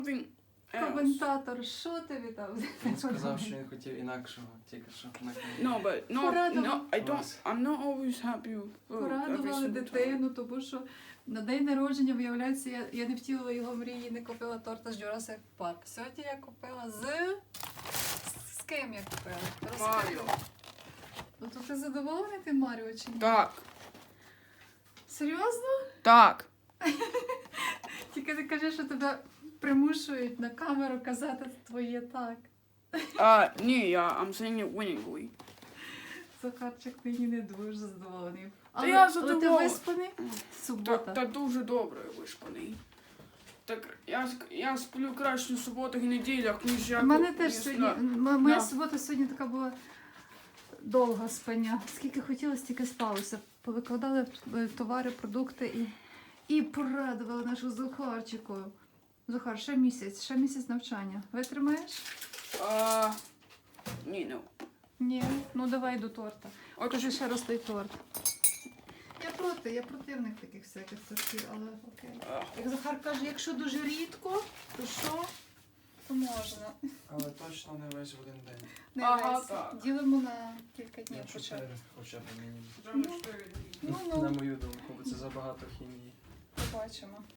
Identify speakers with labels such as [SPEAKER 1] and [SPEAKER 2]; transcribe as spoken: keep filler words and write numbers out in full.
[SPEAKER 1] Він
[SPEAKER 2] Коментатор, що тобі там?
[SPEAKER 3] Він сказав, що він хотів інакшого, тільки що на
[SPEAKER 1] No, but no,
[SPEAKER 2] Порадував.
[SPEAKER 1] no, I don't. I'm not always happy with every
[SPEAKER 2] Порадували
[SPEAKER 1] single time.
[SPEAKER 2] дитину, тому що на день народження, виявляється, я, я не втілила його мрії, не купила торта з Jurassic Park. Сьогодні я купила з... З ким я купила? Розкажи.
[SPEAKER 1] Маріо.
[SPEAKER 2] Ну то ти задоволений тим Маріо чи ні?
[SPEAKER 1] Так,
[SPEAKER 2] Серйозно?
[SPEAKER 1] так.
[SPEAKER 2] Тільки не кажи, що тебе примушують на камеру казати твоє так.
[SPEAKER 1] А, ні, я, I'm saying it winningly.
[SPEAKER 2] Захарчик нині не дуже задоволений. Але,
[SPEAKER 1] я
[SPEAKER 2] але ти
[SPEAKER 1] задоволений.
[SPEAKER 2] виспаний?
[SPEAKER 1] Та,
[SPEAKER 2] Субота.
[SPEAKER 1] та дуже добре вишпаний. Так, я, ск- я сплю краще на суботах і неділях, ніж я...
[SPEAKER 2] У мене
[SPEAKER 1] ко-
[SPEAKER 2] теж
[SPEAKER 1] ніж
[SPEAKER 2] сьогодні,
[SPEAKER 1] на-
[SPEAKER 2] м- моя
[SPEAKER 1] Да.
[SPEAKER 2] субота сьогодні така була довга спання. Скільки хотіла, стільки спалося. Повикладали е, товари, продукти і, і порадували нашу Захарчику. Захар, ще місяць, ще місяць навчання. Витримаєш?
[SPEAKER 1] А, ні, ну.
[SPEAKER 2] Ні. Ну давай до торта.
[SPEAKER 1] От,
[SPEAKER 2] Покажи ще раз той торт. Я проти, я противник таких всяких тортів, але окей.
[SPEAKER 1] а,
[SPEAKER 2] Як Захар каже, якщо дуже рідко, то що? То можна.
[SPEAKER 3] Але точно не весь в один день.
[SPEAKER 2] Не
[SPEAKER 1] Ага,
[SPEAKER 2] весь.
[SPEAKER 1] так.
[SPEAKER 2] Ділимо на кілька днів
[SPEAKER 3] На
[SPEAKER 2] хоча б.
[SPEAKER 3] чотири хоча б мінімум.
[SPEAKER 1] вже на чотири дні.
[SPEAKER 2] Ну,
[SPEAKER 3] На
[SPEAKER 2] ну,
[SPEAKER 3] мою думку, бо це забагато хімії.
[SPEAKER 2] побачимо.